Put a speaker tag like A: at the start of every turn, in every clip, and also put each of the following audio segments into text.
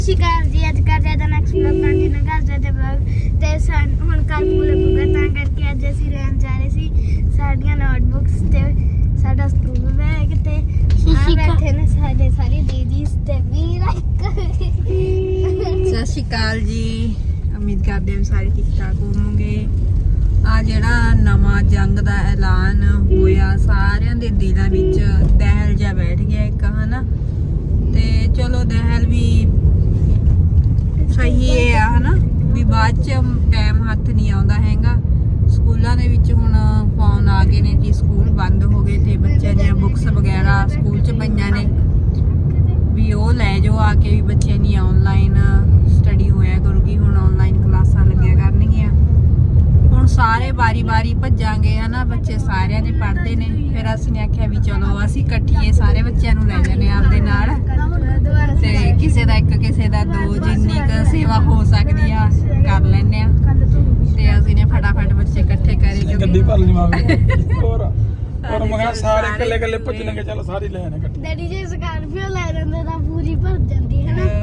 A: शिकार जी आज कर रहे थे नेक्स्ट ब्लॉग कंटिन्यू कर रहे थे ब्लॉग ते ਹੁਣ ਕੱਲ ਪੂਰਾ ਪੂਰਾ ਤਾਂ ਕਰਕੇ ਅੱਜ ਅਸੀਂ ਰਹਿਣ ਜਾ ਰਹੇ ਸੀ ਸਾਡੀਆਂ ਨੋਟਬੁੱਕਸ ਤੇ ਸਾਡਾ ਸਕੂਲ ਬੈਗ ਤੇ ਆ ਬੈਠੇ ਨੇ ਸਾਡੇ ਸਾਰੀ ਦੀਦੀ ਤੇ ਵੀਰ
B: ਸਤਿ ਸ਼੍ਰੀ ਅਕਾਲ ਜੀ। ਉਮੀਦ ਕਰਦੇ ਹਾਂ ਸਾਰੇ ਠੀਕ ਠਾਕ ਹੋਵੋਗੇ। ਆ ਜਿਹੜਾ ਨਵਾਂ ਜੰਗ ਦਾ ਐਲਾਨ ਹੋਇਆ ਸਾਰਿਆਂ ਦੇ ਦਿਲਾਂ ਵਿੱਚ ਦਹਿਲ ਜਾ ਬੈਠ ਗਿਆ ਇੱਕ ਹਨਾ ਤੇ ਚਲੋ ਦਹਿਲ ਵੀ ਸਹੀ ਹੈ ਹਨਾ ਵੀ ਬਾਅਦ ਚ ਟਾਈਮ ਹੱਥ ਨਹੀਂ ਆਉਂਦਾ ਹੈਗਾ। ਸਕੂਲਾਂ ਦੇ ਵਿੱਚ ਹੁਣ ਫੋਨ ਆ ਗਏ ਨੇ ਕਿ ਸਕੂਲ ਬੰਦ ਹੋ ਗਏ ਤੇ ਬੱਚਿਆਂ ਦੀਆਂ ਬੁੱਕਸ ਵਗੈਰਾ ਸਕੂਲ ਚ ਪਈਆਂ ਨੇ ਵੀ ਉਹ ਲੈ ਜਾਓ ਆ ਕੇ ਵੀ ਬੱਚਿਆਂ ਦੀ ਆਨਲਾਈਨ ਸਟੱਡੀ ਹੋਇਆ ਕਰੂਗੀ। ਹੁਣ ਆਨਲਾਈਨ ਕਲਾਸਾਂ ਲੱਗਿਆ ਕਰਨਗੀਆਂ। ਹੁਣ ਸਾਰੇ ਵਾਰੀ-ਵਾਰੀ ਭੱਜਾਂਗੇ ਹਨਾ ਬੱਚੇ ਸਾਰਿਆਂ ਦੇ ਪੜ੍ਹਦੇ ਨੇ। ਫਿਰ ਅਸੀਂ ਨੇ ਆਖਿਆ ਵੀ ਚਲੋ ਅਸੀਂ ਇਕੱਠੀਏ ਸਾਰੇ ਬੱਚਿਆਂ ਨੂੰ ਲੈ ਜਾਂਦੇ ਆਪਦੇ ਨਾਲ ਤੇ ਕਿਸੇ ਦਾ ਇੱਕ ਕਿਸੇ ਦਾ ਦੋ ਜਿੰਨੀ ਕੁ ਸੇਵਾ ਹੋ ਸਕਦੀ ਆ ਕਰ ਲੈਂਦੇ ਆ ਤੇ ਅਸੀਂ ਨੇ ਫਟਾਫਟ ਬੱਚੇ ਇਕੱਠੇ ਕਰੇ
C: ਗੱਡੀ ਭਰ ਲਈ ਮਾਵੇ ਹੋਰ ਮਗਾ ਸਾਰੇ ਇਕੱਲੇ ਇਕੱਲੇ ਭੱਜਣਗੇ ਚਲੋ ਸਾਰੇ ਲੈ ਆਣੇ ਇਕੱਠੇ।
A: ਡੈਡੀ ਜੇ ਸਕਾਰਪੀਓ ਲੈ ਜਾਂਦੇ ਤਾਂ ਪੂਰੀ ਭਰ ਜਾਂਦੀ ਹੈ ਨਾ।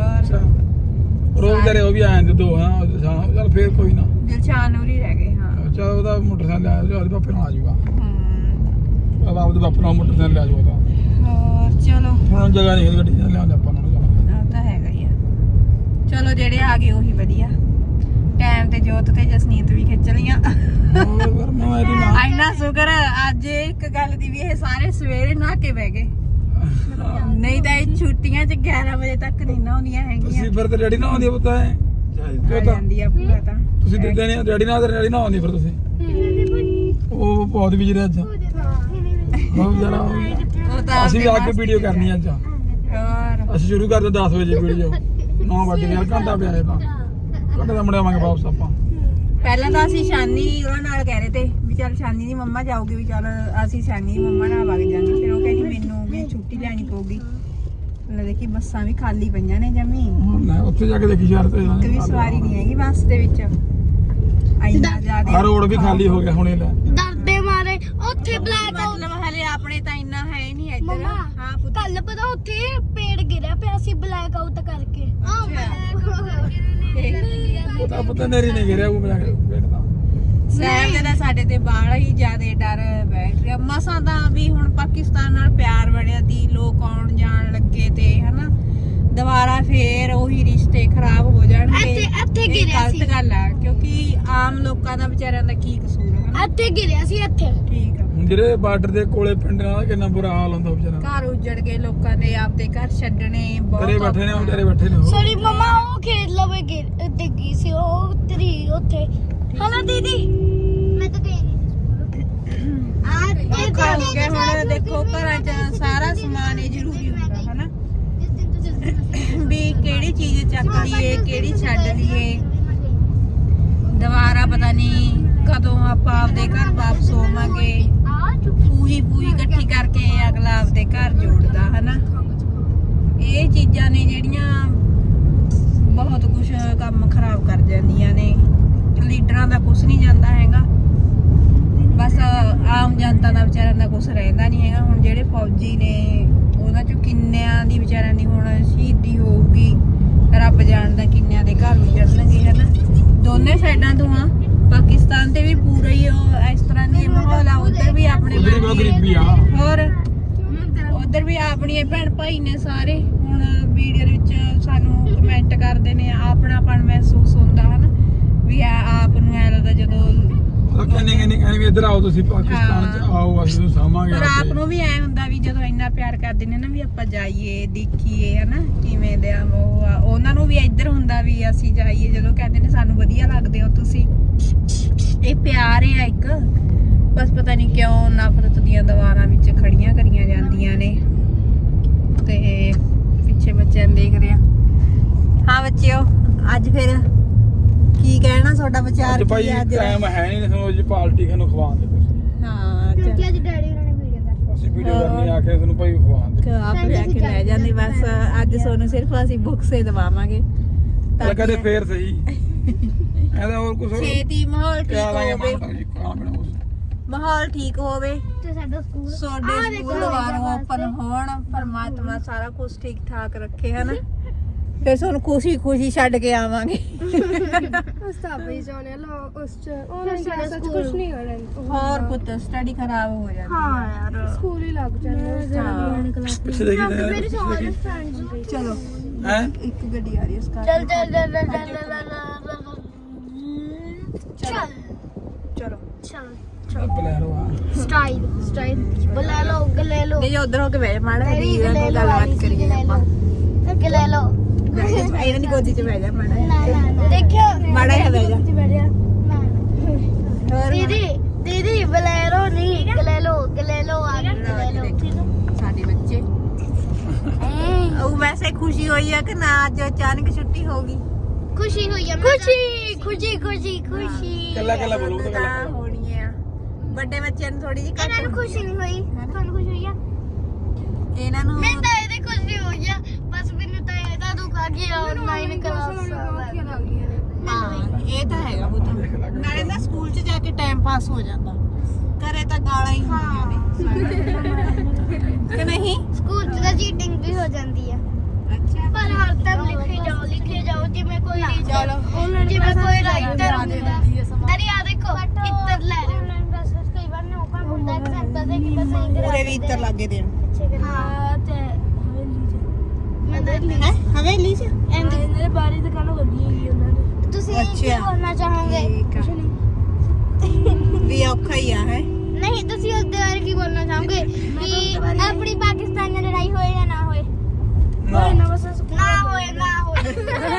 C: ਰੋਜ਼ ਕਰੇ ਉਹ ਵੀ ਆ ਜਾਂਦੇ ਦੋ ਹਾਂ ਚਲ ਫੇਰ ਕੋਈ ਨਾ
B: ਦਿਲਸ਼ਾਨ ਉਰੀ ਰਹਿ ਗਏ। ਹਾਂ
C: ਚਲ ਉਹਦਾ ਮੋਟਰਸਾਈਕਲ ਲੈ ਆਜੋ ਉਹਦੇ ਪਾਪੇ ਨਾਲ ਆ ਜਾਊਗਾ। ਬਾਬਾ ਉਹਦੇ ਪਾਪੇ ਨਾਲ ਮੋਟਰਸਾਈਕਲ ਲੈ ਜਾਊਗਾ।
B: ਹੋਰ ਚਲੋ
C: ਹੁਣ ਜਗ੍ਹਾ ਨਹੀਂ ਗੱਡੀ ਨਾਲ ਲਿਆਉਂਦੇ ਆਪਾਂ ਨੂੰ ਚਲੋ
B: ਉਹ ਤਾਂ ਹੈਗਾ ਹੀ ਆ। ਚਲੋ ਜਿਹੜੇ ਆ ਗਏ ਉਹੀ ਵਧੀਆ ਟਾਈਮ ਤੇ ਜੋਤ ਤੇ ਜਸਨੀਤ ਵੀ ਖਿੱਚ ਲੀਆਂ।
C: ਹੋਰ ਮੈਂ ਇਹਦੀ ਮਾਂ
B: ਇੰਨਾ ਸ਼ੁਕਰ ਅੱਜ ਇੱਕ ਗੱਲ ਦੀ ਵੀ ਇਹ ਸਾਰੇ ਸਵੇਰੇ ਨਹਾ ਕੇ ਬਹਿ ਗਏ ਨਹੀਂ ਤਾਂ ਇਹ ਛੁੱਟੀਆਂ ਚ 11 ਵਜੇ ਤੱਕ ਨਹੀਂ ਨਹਾਉਂਦੀਆਂ ਹੈਗੀਆਂ।
C: ਤੁਸੀਂ ਫਿਰ ਤੇ ਰੈਡੀ ਨਾ ਆਉਂਦੀ ਪਤਾ ਹੈ
B: ਆ ਜਾਂਦੀ ਆ ਪੂਰਾ ਤਾਂ
C: ਤੁਸੀਂ ਦਿੰਦੇ ਨਹੀਂ ਰੈਡੀ ਨਾ ਰੈਡੀ ਨਾ ਆਉਂਦੀ ਫਿਰ ਤੁਸੀਂ ਉਹ ਬਹੁਤ ਵੀ ਜਿਹੜੇ ਅੱਜ ਬਹੁਤ ਜਰਾ
B: ਉਹ ਤਾਂ
C: ਅਸੀਂ ਵੀ ਆ ਕੇ ਵੀਡੀਓ ਕਰਨੀ ਅੱਜ
B: ਹੋਰ
C: ਅਸੀਂ ਸ਼ੁਰੂ ਕਰਦੇ 10 ਵਜੇ ਵੀਡੀਓ 9 ਵਜੇ ਯਾਰ ਘੰਟਾ ਪਿਆ ਇਹ ਤਾਂ ਘੰਟੇ ਦਾ ਮੁੜਿਆ ਆਵਾਂਗੇ ਵਾਪਸ ਆਪਾਂ।
B: ਪਹਿਲਾਂ ਤਾਂ ਅਸੀਂ ਸ਼ਾਨੀ ਉਹਨਾਂ ਨਾਲ ਕਹਿ ਰਹੇ ਤੇ ਵੀ ਚੱਲ ਸ਼ਾਨੀ ਦੀ ਮੰਮਾ ਜਾਊਗੀ ਵੀ ਚੱਲ ਅਸੀਂ ਸ਼ਾਨੀ ਦੀ ਮੰਮਾ ਨਾਲ ਵਗ ਜਾਵਾਂਗੇ। ਫਿਰ ਉਹ ਕਹਿੰਦੀ ਮੈਨੂੰ ਵੀ ਛੁੱਟੀ ਲੈਣੀ ਪਊਗੀ। ਲੈ ਦੇਖੀ ਬੱਸਾਂ ਵੀ ਖਾਲੀ ਪਈਆਂ ਨੇ ਜਮੀ
C: ਹੁਣ ਨਾ ਉੱਥੇ ਜਾ ਕੇ ਦੇਖੀ ਯਾਰ ਤੇ
B: ਇੱਕ ਵੀ ਸਵਾਰੀ ਨਹੀਂ ਹੈਗੀ ਬੱਸ ਦੇ ਵਿੱਚ ਇੰਨਾ ਜ਼ਿਆਦਾ
C: ਹਰ ਰੋਡ ਵੀ ਖਾਲੀ ਹੋ ਗਿਆ ਹੁਣੇ ਲੈ
A: ਡਰਦੇ ਮਾਰੇ ਉੱਥੇ ਬਲੈਕ
B: ਮਤਲਬ ਹਲੇ ਆਪਣੇ ਤਾਂ ਇੰਨਾ ਹੈ ਨਹੀਂ ਇੱਧਰ। ਹਾਂ ਪੁੱਤ
A: ਕੱਲ ਪਤਾ ਉੱਥੇ ਪੇੜ ਗਿਰਿਆ ਪਿਆ ਸੀ ਬਲੈਕ ਆਊਟ ਕਰਕੇ।
C: ਪਤਾ ਨੇਰੀ ਨਹੀਂ ਗਿਰਿਆ ਉਹ ਬੈਠਦਾ
B: ਸਹਿਬ ਦੇ ਨਾਲ ਸਾਡੇ ਤੇ ਬਾਹਲਾ ਹੀ ਜ਼ਿਆਦਾ ਡਰ ਬੈਠ ਰਿਹਾ। ਮਸਾਂ ਤਾਂ ਵੀ ਹੁਣ ਪਾਕਿਸਤਾਨ ਨਾਲ ਪਿਆਰ ਬਣਿਆ ਦੀ ਲੋਕ ਆਉਣ ਜਾਣ ਲੱਗੇ ਤੇ ਹਨਾ ਦੁਬਾਰਾ ਫੇਰ ਉਹੀ ਰਿਸ਼ਤੇ ਖਰਾਬ ਹੋ ਜਾਣਗੇ।
A: ਇੱਥੇ
B: ਇਹ
A: ਗਿਰਿਆ ਸੀ
B: ਗਲਤ ਗੱਲ ਆ ਕਿਉਂਕਿ ਆਮ ਲੋਕਾਂ ਦਾ ਵਿਚਾਰਿਆਂ ਦਾ ਕੀ ਕਸੂਰ ਹੈ।
A: ਇੱਥੇ ਗਿਰਿਆ ਸੀ ਇੱਥੇ।
B: ਠੀਕ ਆ
C: ਜਿਹੜੇ ਬਾਰਡਰ ਦੇ ਕੋਲੇ ਪਿੰਡਾਂ ਦਾ ਕਿੰਨਾ ਬੁਰਾ ਹਾਲ ਹੁੰਦਾ ਵਿਚਾਰਾ।
B: ਘਰ ਉਜੜ ਗਏ ਲੋਕਾਂ ਦੇ ਆਪਦੇ ਘਰ ਛੱਡਣੇ
C: ਘਰੇ
B: ਬਹੁਤ
C: ਬੈਠੇ ਨੇ ਵਿਚਾਰੇ ਬੈਠੇ ਨੇ
A: ਸੌਰੀ ਮਮਾ ਉਹ ਖੇਡ ਲਵੇ ਡਿੱਗੀ ਸੀ ਉਹ ਤਰੀ ਉੱਥੇ ਹਨਾ ਦੀਦੀ ਮੈਂ ਤਾਂ ਗਈ ਨਹੀਂ
B: ਔਖਾ ਹੋ ਗਿਆ। ਹੁਣ ਦੇਖੋ ਘਰਾਂ 'ਚ ਸਾਰਾ ਸਮਾਨ ਇਹ ਜ਼ਰੂਰੀ ਹੁੰਦਾ ਹਨਾ ਵੀ ਕਿਹੜੀ ਚੀਜ਼ ਚੱਕ ਲਈਏ ਕਿਹੜੀ ਛੱਡ ਲਈਏ। ਦੁਬਾਰਾ ਪਤਾ ਨਹੀਂ ਕਦੋਂ ਆਪਾਂ ਆਪਦੇ ਘਰ ਵਾਪਸ ਹੋਵਾਂਗੇ। ਪੂਰੀ ਇਕੱਠੀ ਕਰਕੇ ਅਗਲਾ ਆਪਦੇ ਘਰ ਜੋੜਦਾ ਹਨਾ। ਇਹ ਚੀਜ਼ਾਂ ਨੇ ਜਿਹੜੀਆਂ ਬਹੁਤ ਕੁਝ ਕੰਮ ਖਰਾਬ ਕਰ ਜਾਂਦੀਆਂ ਨੇ। ਲੀਡਰਾਂ ਦਾ ਕੁਝ ਨਹੀਂ ਜਾਂਦਾ ਹੈਗਾ ਬਸ ਆਮ ਜਨਤਾ ਦਾ ਵਿਚਾਰਿਆਂ ਦਾ ਕੁਝ ਰਹਿੰਦਾ ਨਹੀਂ ਹੈਗਾ। ਹੁਣ ਜਿਹੜੇ ਫੌਜੀ ਨੇ ਉਹਨਾਂ ਚੋਂ ਕਿੰਨਿਆਂ ਦੀ ਵਿਚਾਰਿਆਂ ਦੀ ਹੁਣ ਸ਼ਹੀਦੀ ਹੋਊਗੀ ਰੱਬ ਜਾਣਦਾ ਕਿੰਨਿਆਂ ਦੇ ਘਰ ਉਜੜਨਗੇ ਹਨਾ। ਦੋਨੇ ਸਾਈਡਾਂ ਤੋਂ ਆ ਪਾਕਿਸਤਾਨ ਤੇ ਵੀ ਪੂਰਾ ਹੀ ਇਸ ਤਰ੍ਹਾਂ ਦੀ ਮਾਹੌਲ ਆ। ਉਧਰ ਵੀ ਆਪਣੇ
C: ਗਰੀਬੀ ਆ
B: ਹੋਰ ਉਧਰ ਵੀ ਆਪਣੀਆਂ ਭੈਣ ਭਾਈ ਨੇ ਸਾਰੇ। ਹੁਣ ਵੀਡੀਓ ਦੇ ਵਿੱਚ ਸਾਨੂੰ ਕਮੈਂਟ ਕਰਦੇ ਨੇ ਆਪਣਾਪਣ ਮਹਿਸੂਸ ਹੁੰਦਾ ਹਨਾ ਵੀ ਆਪ ਨੂੰ ਐ ਲੱਗਦਾ ਜਦੋਂ
C: ਕਹਿੰਦੇ ਵੀ ਇੱਧਰ ਆਓ ਤੁਸੀਂ ਪਾਕਿਸਤਾਨ ਚ ਆਓ ਅਸੀਂ ਤੁਹਾਨੂੰ ਸਾਂਭਾਂਗੇ।
B: ਪਰ ਆਪ ਨੂੰ ਵੀ ਐ ਹੁੰਦਾ ਵੀ ਜਦੋਂ ਇੰਨਾ ਪਿਆਰ ਕਰਦੇ ਨੇ ਨਾ ਵੀ ਆਪਾਂ ਜਾਈਏ ਦੇਖੀਏ ਹਨਾ ਕਿਵੇਂ ਦੇ ਉਹ ਆ। ਉਹਨਾਂ ਨੂੰ ਵੀ ਇੱਧਰ ਹੁੰਦਾ ਵੀ ਅਸੀਂ ਜਾਈਏ ਜਦੋਂ ਕਹਿੰਦੇ ਨੇ ਸਾਨੂੰ ਵਧੀਆ ਲੱਗਦੇ ਹੋ ਤੁਸੀਂ। ਇਹ ਪਿਆਰ ਹੈ ਇੱਕ ਬਸ ਪਤਾ ਨਹੀਂ ਕਿਉਂ ਨਫ਼ਰਤ ਦੀਆਂ ਦੀਵਾਰਾਂ ਵਿੱਚ ਖੜੀਆਂ ਕਰੀਆਂ ਜਾਂਦੀਆਂ ਨੇ। ਤੇ ਪਿੱਛੇ ਬੱਚਿਆਂ ਨੂੰ ਦੇਖਦੇ ਆ। ਹਾਂ ਬੱਚਿਓ ਅੱਜ ਫਿਰ ਕੀ ਕਹਿਣਾ ਤੁਹਾਡਾ ਵਿਚਾਰ
C: ਅੱਜ ਭਾਈ ਟਾਈਮ ਹੈ ਨਹੀਂ ਤੁਹਾਨੂੰ ਅੱਜ ਪਾਰਟੀ ਨੂੰ ਖਵਾਉਣ ਦੇ ਕੁਛ।
B: ਹਾਂ
A: ਕਿਉਂਕਿ ਅੱਜ ਡੈਡੀ ਉਹਨਾਂ ਨੇ ਵੀਡੀਓ ਕਰ
C: ਅਸੀਂ ਵੀਡੀਓ ਕਰਨੀ ਆ ਕੇ ਤੁਹਾਨੂੰ ਭਾਈ ਖਵਾਉਣ ਦੇ
B: ਆਪ ਲੈ ਕੇ ਲੈ ਜਾਂਦੇ ਬਸ ਅੱਜ ਤੁਹਾਨੂੰ ਸਿਰਫ ਅਸੀਂ ਬੁੱਕਸ ਹੀ ਦਵਾਵਾਂਗੇ
C: ਤਾਂ ਕਦੇ ਫੇਰ ਸਹੀ ਇਹਦਾ ਹੋਰ ਕੁਝ
B: ਛੇਤੀ ਮਾਹੌਲ ਠੀਕ ਹੋਵੇ
C: ਖਾਣਾ
B: ਮਾਹੌਲ ਠੀਕ ਹੋਵੇ
A: ਤੇ ਸਾਡਾ ਸਕੂਲ
B: ਸਾਡੇ ਸਕੂਲ ਦੁਬਾਰਾ ਓਪਨ ਹੋਣ ਪਰਮਾਤਮਾ ਸਾਰਾ ਕੁਝ ਠੀਕ ਠਾਕ ਰੱਖੇ ਹਨਾ ਫਿਰ ਤੁਹਾਨੂੰ ਖੁਸ਼ੀ ਛੱਡ ਕੇ ਆਵਾਂਗੇ।
D: ਸਤਾਬੇ ਜਾਣੇ ਲੋ ਉਸ ਚ ਆਨਲਾਈਨ ਕਲਾਸ ਚ ਕੁਝ ਨਹੀਂ ਕਰਨਾ।
B: ਹੋਰ ਪੁੱਤ ਸਟੱਡੀ ਖਰਾਬ ਹੋ ਜਾਂਦੀ
A: ਹਾਂ ਯਾਰ
D: ਸਕੂਲ ਹੀ ਲੱਗ ਜਾਂਦੇ।
C: ਪਿੱਛੇ ਦੇਖੀ
A: ਮੇਰੇ ਸਾਰੇ ਫਰੈਂਡਸ
B: ਚਲੋ
C: ਹੈ
B: ਇੱਕ ਗੱਡੀ ਆ ਰਹੀ ਹੈ ਸਕਾਰ
A: ਚੱਲ ਚੱਲ ਚੱਲ ਚੱਲ ਚੱਲ
B: ਚਲੋ
A: ਚੱਲ
C: ਬਲੈਰੋ ਆ
A: ਸਟਾਈਲ ਬੁਲਾ ਲਓ ਗਲੇ ਲਓ
B: ਨਹੀਂ ਉਧਰ ਹੋ ਕੇ ਬਹਿ ਜਾ ਮਾੜਾ
A: ਮੇਰੀ
B: ਜੀ
A: ਗਲੇ ਲਓ
B: ਗੱਲਬਾਤ ਕਰੀਏ ਆਪਾਂ
A: ਗਲੇ ਲਓ
B: ਇਹਨਾਂ ਦੀ ਗੋਦੀ 'ਚ ਬਹਿ ਜਾ ਮਾੜਾ
A: ਨਾ ਨਾ ਦੇਖਿਓ
B: ਮਾੜਾ ਜਿਹਾ ਬਹਿ ਜਾ ਹੋਰ
A: ਦੀਦੀ ਬਲੈਰੋ ਨਹੀਂ ਗਲੇ ਲਓ ਆ ਗਲੇ ਲਓ
B: ਸਾਡੇ ਬੱਚੇ ਉਹ ਵੈਸੇ ਖੁਸ਼ੀ ਹੋਈ ਆ ਕਿ ਨਾ ਅੱਜ ਅਚਾਨਕ ਛੁੱਟੀ ਹੋ ਗਈ
A: ਖੁਸ਼ੀ ਹੋਈ ਆ ਖੁਸ਼ੀ
C: ਕੱਲਾ ਬੋਲੋ ਤਾਂ
B: ਤਾਂ ਹੋਣੀ ਆ ਵੱਡੇ ਬੱਚਿਆਂ ਨੂੰ ਥੋੜੀ ਜਿਹੀ
A: ਇਹਨਾਂ ਨੂੰ ਖੁਸ਼ੀ ਨਹੀਂ ਹੋਈ ਤੁਹਾਨੂੰ ਖੁਸ਼ੀ ਹੋਈ ਆ
B: ਇਹਨਾਂ ਨੂੰ
A: ਮੈਂ ਤਾਂ ਇਹਦੇ ਖੁਸ਼ੀ ਹੋਈ ਆ ਬਸ ਮੈਨੂੰ ਤਾਂ ਇਹਦਾ ਦੁੱਖ ਆ ਗਿਆ ਆਨਲਾਈਨ ਕਲਾਸ
B: ਹਾਂ ਇਹ ਤਾਂ ਹੈਗਾ ਪੁੱਤ ਨਾਲੇ ਨਾ ਸਕੂਲ 'ਚ ਜਾ ਕੇ ਟਾਈਮ ਪਾਸ ਹੋ ਜਾਂਦਾ ਘਰੇ ਤਾਂ ਗਾਲਾਂ ਹੀ ਹੁੰਦੀਆਂ ਨੇ ਕਿ ਨਹੀਂ
A: ਸਕੂਲ 'ਚ ਤਾਂ ਚੀਟਿੰਗ ਵੀ ਹੋ ਜਾਂਦੀ ਆ
B: ਅੱਛਾ
A: ਪਰ ਹਰ ਟਾਈਮ ਲਿਖੇ ਜਾਓ ਜਿਵੇਂ ਕੋਈ
B: ਚਲੋ
A: ਜਿਵੇਂ ਕੋਈ ਰਾਈਟਰ ਹੁੰਦਾ ਅਰੇ ਆ ਦੇਖੋ ਇੱਤਰ ਲੈ ਰਹੇ ਆਨਲਾਈਨ ਕਲਾਸ ਕਈ ਵਾਰ ਨੌਕਾ ਹੁੰਦਾ ਐਗਜ਼ਾਮ ਦੇ ਕਿ ਬਸ ਸਹੀ
B: ਪੂਰੇ ਵੀ ਇੱਤਰ ਲੱਗੇ ਦੇਣ
A: ਹਾਂ ਤੇ
B: ਹਵੇਲੀ 'ਚ
D: ਇਹਨੇ ਬਾਰੀ ਦੁਕਾਨੋਂ ਗੱਡੀ ਹੈਗੀ ਉਹਨਾਂ ਨੇ।
A: ਤੁਸੀਂ ਕੀ
B: ਅੱਛਾ।
A: ਕਰਨਾ ਚਾਹੋਗੇ
B: ਠੀਕ ਆ ਵੀ ਔਖਾ ਹੀ ਆ ਹੈ
A: ਨਹੀਂ ਤੁਸੀਂ ਉਸ ਦੇ ਬਾਰੇ ਕੀ ਬੋਲਣਾ ਚਾਹੋਗੇ ਕਿ ਆਪਣੀ ਪਾਕਿਸਤਾਨ ਨਾਲ ਲੜਾਈ ਹੋਏ ਜਾਂ ਨਾ ਹੋਏ
C: ਨਾ
A: ਨਾ ਹੋਏ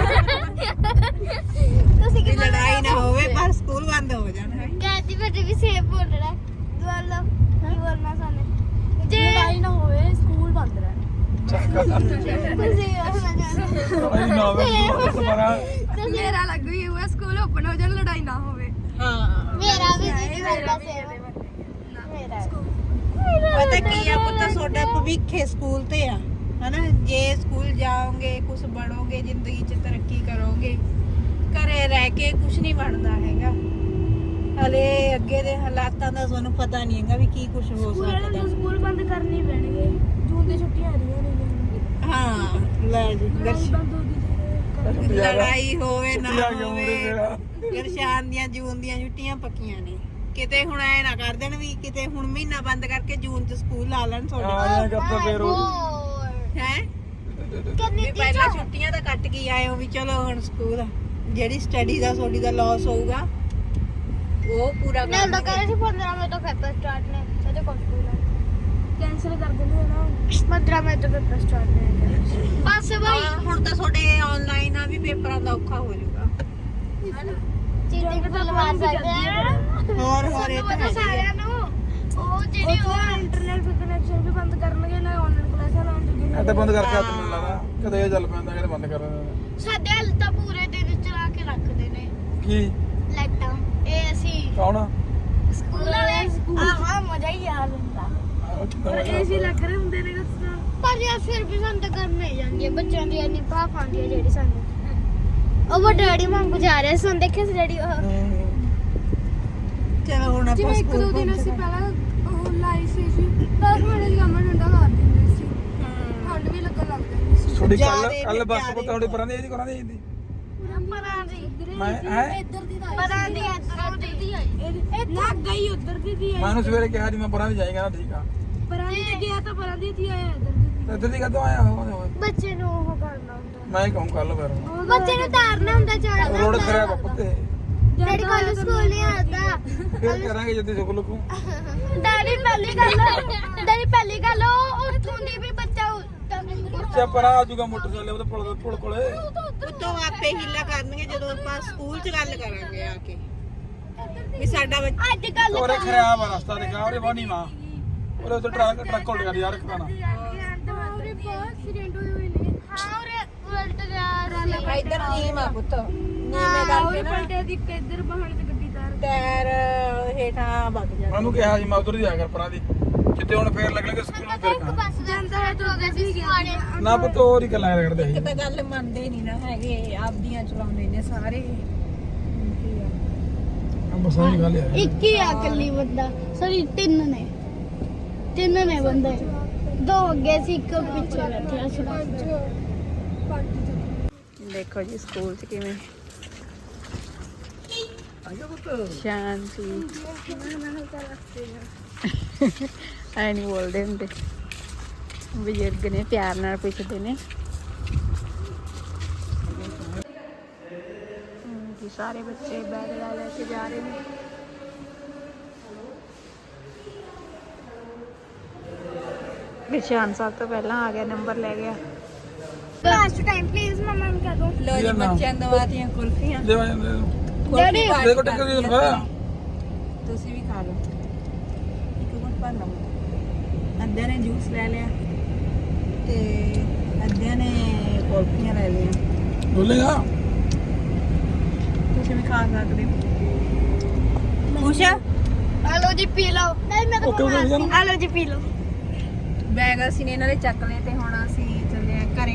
A: ਤੁਸੀਂ ਕੀ
B: ਵੀ ਲੜਾਈ ਨਾ ਹੋਵੇ ਪਰ ਸਕੂਲ ਬੰਦ ਹੋ ਜਾਣ ਹੈ
A: ਕਹਿੰਦੀ ਬੇਟੇ ਵੀ ਸੇਫ ਬੋਲਣਾ ਦੁਆਲਾ ਕੀ ਬੋਲਣਾ ਸਾਨੂੰ ਜੇ
D: ਲੜਾਈ ਨਾ ਹੋਵੇ ਸਕੂਲ ਬੰਦ ਰਹੇ।
A: ਤੁਸੀਂ ਬੋਲਣਾ
C: ਨਾ ਹੋਵੇ ਸਮਾਰਾ
D: ਮੇਰਾ ਲੱਗੂ ਹੀ ਹੋਇਆ ਸਕੂਲ ਓਪਨ ਹੋ ਜਾਣ ਲੜਾਈ ਨਾ ਹੋਵੇ।
B: ਹਾਂ
A: ਮੇਰਾ ਵੀ ਜੀ ਮੇਰਾ ਸੇਫ ਮੇਰਾ
B: ਪਤਾ ਕੀ ਆ ਪੁੱਤ ਤੁਹਾਡਾ ਭਵਿੱਖ ਹੈ ਸਕੂਲ ਤੇ ਆ ਹਨਾ ਜੇ ਸਕੂਲ ਜਾਓਗੇ ਕੁਝ ਬਣੋਗੇ ਜ਼ਿੰਦਗੀ 'ਚ ਤਰੱਕੀ ਕਰੋਗੇ ਘਰੇ ਰਹਿ ਕੇ ਕੁਝ ਨਹੀਂ ਬਣਦਾ ਹੈਗਾ ਹਲੇ ਅੱਗੇ ਦੇ ਹਾਲਾਤਾਂ ਦਾ ਤੁਹਾਨੂੰ ਪਤਾ ਨਹੀਂ ਹੈਗਾ ਵੀ ਕੀ ਕੁਝ ਹੋ ਸਕਦਾ
D: ਸਕੂਲ ਬੰਦ ਕਰਨੇ ਪੈਣਗੇ ਜੂਨ ਦੀ ਛੁੱਟੀਆਂ ਆ ਰਹੀਆਂ ਨੇ।
B: ਹਾਂ ਲੈ ਜੀ
D: ਬੰਦ ਹੋ ਗਈ
B: ਲੜਾਈ ਹੋਵੇ ਨਾ
C: ਛੁੱਟੀਆਂ ਕਿਉਂ
B: ਹੋਵੇ
C: ਹੋਵੇ ਮੇਰਾ?
B: ਗਰਸ਼ਾਨ ਦੀਆਂ ਜੂਨ ਦੀਆਂ ਛੁੱਟੀਆਂ ਪੱਕੀਆਂ ਨੇ ਕਿਤੇ ਹੁਣ ਐ ਨਾ ਕਰ ਦੇਣ ਵੀ ਕਿਤੇ ਹੁਣ ਮਹੀਨਾ ਬੰਦ ਕਰਕੇ ਜੂਨ 'ਚ ਸਕੂਲ ਲਾ ਲੈਣ ਤੁਹਾਡੇ
C: ਆਇਆ ਕਰਤਾ ਫੇਰ ਉਹ
B: ਹੈ
A: ਕਿੰਨੀ
B: ਵੀ ਪਹਿਲਾਂ ਛੁੱਟੀਆਂ ਤਾਂ ਕੱਟ ਕੇ ਆਏ ਹੋ ਵੀ ਚਲੋ ਹੁਣ ਸਕੂਲ ਜਿਹੜੀ ਸਟੱਡੀ ਦਾ ਤੁਹਾਡੀ ਦਾ ਲਾਸ ਹੋਊਗਾ ਉਹ ਪੂਰਾ
A: ਨਾ
B: ਕਰ
A: ਤਾਂ ਕਰੇ ਸੀ 15 ਮਈ ਤੋਂ ਪੇਪਰ ਸਟਾਰਟ ਨੇ ਸਾਡੇ ਕੋਲ ਸਕੂਲ
D: ਕੈਂਸਲ ਕਰ ਦਿੰਦੇ ਨਾ
A: 15 ਮਈ ਤੋਂ ਪੇਪਰ ਸਟਾਰਟ ਨੇ ਬਸ ਬਾਈ
B: ਹੁਣ ਤਾਂ ਤੁਹਾਡੇ ਆਨਲਾਈਨ ਆ ਵੀ ਪੇਪਰਾਂ ਦਾ ਔਖਾ ਹੋ ਜਾਊਗਾ
A: ਚੀਟਿੰਗ ਤਾਂ ਲਵਾ ਸਕਦੇ ਆ
B: ਹੋਰ ਇਹ ਤਾਂ ਹੈ
A: ਸਾਰਿਆਂ ਨੂੰ ਉਹ ਜਿਹੜੀ ਉਹ
D: ਇੰਟਰਨੈਟ ਕਨੈਕਸ਼ਨ ਵੀ ਬੰਦ ਕਰਨਗੇ ਨਾ ਆਨਲਾਈਨ ਕਲਾਸਾਂ ਲਾਉਣ ਜੋਗੀ
C: ਐ ਤਾਂ ਬੰਦ ਕਰਕੇ ਹੱਥ ਮੈਨੂੰ ਲੱਗਦਾ ਕਦੇ ਇਹ ਚੱਲ ਪੈਂਦਾ ਕਦੇ ਬੰਦ ਕਰ ਦਿੰਦਾ
A: ਸਾਡੇ ਹਾਲ ਤਾਂ ਪੂਰੇ ਦਿਨ ਚਲਾ ਕੇ ਰੱਖਦੇ ਨੇ
C: ਕੀ
A: ਲਾਈਟਾਂ ਇਹ ਅਸੀਂ
C: ਕੌਣ
A: ਸਕੂਲ ਵਾਲੇ ਆਹ ਮਜ਼ਾ ਹੀ ਆ ਲੈਂਦਾ
D: ਏਸੀ ਲੱਗ ਰਹੇ ਹੁੰਦੇ ਨੇ ਗੱਸਾਂ।
A: ਪਰ ਯਾਰ ਫਿਰ ਵੀ ਸਾਨੂੰ ਤਾਂ ਕਰਨਾ ਹੀ ਜਾਂਦੀ ਹੈ ਬੱਚਿਆਂ ਦੀ ਇੰਨੀ ਭਾਫ ਆਉਂਦੀ ਹੈ ਜਿਹੜੀ ਸਾਨੂੰ ਉਹ ਵੱਡੇ ਡੈਡੀ ਵਾਂਗੂ ਜਾ ਰਹੇ ਸਨ ਦੇਖਿਆ ਸੀ ਡੈਡੀ ਉਹ
B: ਚਲੋ ਹੁਣ ਆਪਾਂ
D: ਜਿਵੇਂ ਇੱਕ ਦੋ ਦਿਨ ਅਸੀਂ ਪਹਿਲਾਂ ਉਹ ਲਾਈ ਸੀ ਜੀ 10 ਮਿੰਟ ਦੀ ਕੰਮ ਠੰਡਾ ਕਰ ਦਿੰਦੇ ਸੀ ਠੰਡ ਵੀ ਲੱਗਣ ਲੱਗ ਜਾਂਦੀ ਸੀ।
C: ਤੁਹਾਡੀ
B: ਜ਼ਿਆਦੇ
C: ਕੱਲ ਬੱਸ
B: ਜ਼ਿਆਦੇ।
C: ਪੁੱਤ ਤੁਹਾਡੀ ਪਰਾਂ ਦੀ ਇਹਦੀ ਕਰਾਂ ਦੀ ਇਹਦੀ
A: ਪਰਾਂ ਦੀ
C: ਮੈਂ ਹੈ
D: ਇੱਧਰ ਦੀ ਤਾਂ
A: ਪਰਾਂ ਦੀ ਇੱਧਰੋਂ ਦੀ
D: ਨਾ ਗਈ ਉੱਧਰ ਦੀ ਦੀ
C: ਮੈਂ ਉਹਨੂੰ ਸਵੇਰੇ ਕਿਹਾ ਜੀ ਮੈਂ ਪਰਾਂ ਦੀ ਜਾਏਗਾ ਨਾ ਠੀਕ ਆ
D: ਪਰਾਂ ਦੀ ਗਿਆ ਤਾਂ ਪਰਾਂ ਦੀ ਆਇਆ ਇੱਧਰ ਦੀ
C: ਤੇ ਇੱਧਰ ਦੀ ਕਦੋਂ ਆਇਆ ਹੋਵੇ
A: ਬੱਚੇ ਨੂੰ ਉਹ ਕਰਨਾ ਹੁੰਦਾ
C: ਮੈਂ ਹੀ ਕਹੂੰ ਕੱਲ ਫਿਰ
A: ਬੱਚੇ ਨੂੰ ਤਾਰਨਾ ਹੁੰਦਾ ਚੜਨਾ
C: ਰੋਡ ਖਰਾਬ ਆ ਪੁੱਤੇ
A: ਡੈਡੀ ਕੋਲ ਸਕੂਲ ਨਹੀਂ ਆਉਂਦਾ
C: ਫਿਰ ਕਰਾਂਗੇ ਜਦ ਸੁਕਲ ਕੋ
A: ਡੈਡੀ ਪਹਿਲੀ ਗੱਲ ਉਹ ਉੱਥੋਂ ਦੀ ਵੀ ਬੱਚਾ
C: ਬੱਚਾ ਪਰਾਂ ਆ ਜਾਊਗਾ ਮੋਟਰਸਾਈਕਲ ਉਹਦੇ ਪੁਲ ਕੋਲੇ
B: ਉਤੋਂ ਆਪੇ ਹੀਲਾ ਕਰਨਗੇ ਜਦੋਂ ਆਪਾਂ ਸਕੂਲ 'ਚ ਗੱਲ ਕਰਾਂਗੇ ਆ ਕੇ ਵੀ ਸਾਡਾ ਬੱਚਾ
A: ਅੱਜ ਕੱਲ
C: ਉਹਰੇ ਖਰਾਬ ਆ ਰਸਤਾ ਦੇਖਾ ਉਹਰੇ ਬਾਨੀ ਮਾਂ ਉਹਰੇ ਉੱਤੇ ਟਰੱਕ ਉਲਟ ਕਰ ਯਾਰ ਕਰਾਣਾ
D: ਉਹਦੇ ਬਹੁਤ ਐਕਸੀਡੈਂਟ ਹੋਏ ਹੋਏ ਨੇ
A: ਹਾਂ ਉਰੇ ਉਲਟ ਗਿਆ
B: ਇੱਧਰ ਨੀਮ ਆ ਪੁੱਤ ਨੀਮੇ ਕਰਕੇ ਨਾ
D: ਪਲਟੇ ਦੀ ਇੱਧਰ ਬਹਾਨੇ ਤੇ ਗੱਡੀ ਤਾਰ
B: ਟਾਇਰ ਹੇਠਾਂ ਵਗ ਜਾਂਦਾ
C: ਉਹਨੂੰ ਕਿਹਾ ਸੀ ਮੈਂ ਉਧਰ ਹੀ ਜਾ ਕਰ ਪਰਾਂ ਦੀ ਜਿੱਤੇ ਹੁਣ ਫੇਰ ਲੱਗਣਗੇ ਸਕੂਲ ਨੂੰ ਫਿਰ
A: ਇੱਕ
C: ਕਹਾਂ
A: ਬੱਸ ਜਾਂਦਾ ਹੈ ਤੋਂ ਗਏ ਸੀ ਸਵਾੜੇ
C: ਨਾ ਪੁੱਤ ਹੋਰ ਹੀ ਗੱਲਾਂ ਕਰਦੇ ਸੀ
B: ਇੱਕ ਤਾਂ ਗੱਲ ਮੰਨਦੇ ਨਹੀਂ ਨਾ ਹੈਗੇ ਆਪਦੀਆਂ ਚਲਾਉਂਦੇ ਨੇ ਸਾਰੇ
C: ਬਸਾਂ ਦੀ ਗੱਲ ਹੈ
A: ਇੱਕ ਹੀ ਆ ਇਕੱਲੀ ਬੰਦਾ ਸਰੀ ਤਿੰਨ ਨੇ ਬੰਦੇ ਦੋ ਅੱਗੇ ਸੀ ਇੱਕ ਪਿੱਛੇ ਬੈਠਿਆ ਸੀ
B: ਦੇਖੋ ਜੀ ਸਕੂਲ 'ਚ ਕਿਵੇਂ ਸ਼ਾਂਤੀ ਐ ਨਹੀਂ ਬੋਲਦੇ ਹੁੰਦੇ ਬਜ਼ੁਰਗ ਨੇ ਪਿਆਰ ਨਾਲ ਪੁੱਛਦੇ ਨੇ ਜੀ ਸਾਰੇ ਬੱਚੇ ਬੈਗ ਲੈ ਕੇ ਜਾ ਰਹੇ ਨੇ ਨਿਸ਼ਾਨ ਸਾਹਿਬ ਤੋਂ ਪਹਿਲਾਂ ਆ ਗਿਆ ਨੰਬਰ ਲੈ ਗਿਆ
A: ਲਾਸਟ ਟਾਈਮ ਪਲੀਜ਼ ਮਮਾ ਨੂੰ ਕਹਿ ਦੋ
B: ਲੋ ਜੀ ਬੱਚਿਆਂ ਨੂੰ ਦਵਾਤੀਆਂ ਕੁਲਫੀਆਂ
C: ਲੈ ਜਾਂਦੇ
B: ਡੈਡੀ
C: ਦੇਖੋ ਟੱਕਰ ਦੀ ਲਗਾ
B: ਤੁਸੀਂ ਵੀ ਖਾ ਲਓ ਇੱਕ ਗੁੱਟ ਭਰ ਲਓ ਅੱਧਿਆਂ ਨੇ ਜੂਸ ਲੈ ਲਿਆ ਤੇ ਅੱਧਿਆਂ ਨੇ ਕੁਲਫੀਆਂ ਲੈ ਲਈਆਂ
C: ਬੋਲੇਗਾ
B: ਤੁਸੀਂ ਵੀ ਖਾ ਸਕਦੇ ਹੋ ਖੁਸ਼ ਆ
A: ਆਲੋ ਜੀ ਪੀ ਲਓ ਨਹੀਂ ਮੈਂ
C: Okay, okay, okay.
A: ਤਾਂ ਆਲੋ ਜੀ ਪੀ ਲਓ
B: ਬੈਗ ਅਸੀਂ ਨੇ ਇਹਨਾਂ ਦੇ ਚੱਕ ਲਏ ਤੇ ਹੁਣ ਅਸੀਂ ਚੱਲੇ ਆ ਘਰੇ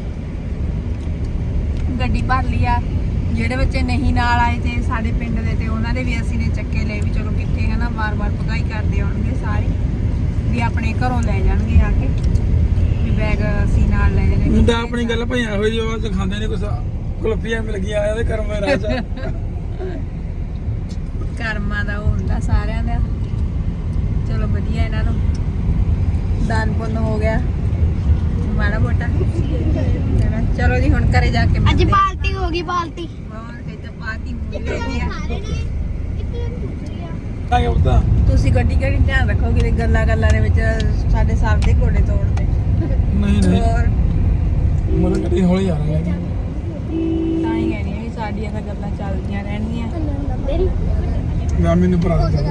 B: ਗੱਡੀ ਭਰ ਲਈ ਆ ਜਿਹੜੇ ਬੱਚੇ ਨਹੀਂ ਨਾਲ ਆਏ ਤੇ ਸਾਡੇ ਪਿੰਡ ਦੇ ਤੇ ਉਹਨਾਂ ਦੇ ਵੀ ਅਸੀਂ ਨੇ ਚੱਕੇ ਲਏ ਵੀ ਚਲੋ ਕਿੱਥੇ ਹੈ ਨਾ ਵਾਰ-ਵਾਰ ਪਕਾਈ ਕਰਦੇ ਆਉਣਗੇ ਸਾਰੇ ਵੀ ਆਪਣੇ ਘਰੋਂ ਲੈ ਜਾਣਗੇ ਆ ਕੇ ਵੀ ਬੈਗ ਅਸੀਂ ਨਾਲ ਲੈ ਜਾਣੇ
C: ਮੁੰਡਾ ਆਪਣੀ ਗੱਲ ਭਈਆਂ ਹੋਈ ਜੋ ਉਹ ਖਾਂਦੇ ਨਹੀਂ ਕੁਛ ਕੁਲਫੀਆਂ ਮਿਲ ਗਈਆਂ ਇਹਦੇ ਕਰਮ ਦੇ ਰਾਜਾ
B: ਕਰਮਾਂ ਦਾ ਉਹ ਹੁੰਦਾ ਸਾਰਿਆਂ ਦਾ ਚਲੋ ਵਧੀਆ ਇਹਨਾਂ ਨੂੰ ਦਾਨ ਪੁੰਨ ਹੋ ਗਿਆ ਮਾੜਾ ਮੋਟਾ ਚਲੋ ਜੀ ਹੁਣ ਘਰੇ ਜਾ ਕੇ
A: ਅੱਜ
B: ਮਿਲਦੇ ਹਾਂ।
A: ਪਾਰਟੀ ਹੋ ਗਈ ਪਾਰਟੀ
B: ਹੋਰ ਇਹ ਤਾਂ ਪਾਰਟੀ ਮੂਵੀ ਲੈਣੀ ਆ
C: ਆ ਗਿਆ ਪੁੱਤਾ
B: ਤੁਸੀਂ ਗੱਡੀ ਕਿਹੜੀ ਧਿਆਨ ਰੱਖੋਗੇ ਤੇ ਗੱਲਾਂ ਦੇ ਵਿੱਚ ਸਾਡੇ ਸਭ ਦੇ ਗੋਡੇ ਤੋੜਦੇ
C: ਨਹੀਂ ਨਹੀਂ
B: ਹੋਰ
C: ਮਤਲਬ ਗੱਡੀ ਹੌਲੀ ਆ ਰਹੀ ਹੈ
B: ਤਾਂ ਹੀ ਕਹਿੰਦੀ ਆ ਵੀ ਸਾਡੀਆਂ ਤਾਂ ਗੱਲਾਂ ਚੱਲਦੀਆਂ ਰਹਿਣਗੀਆਂ
C: ਮੈਂ ਮੈਨੂੰ ਭਰਾ ਦੇ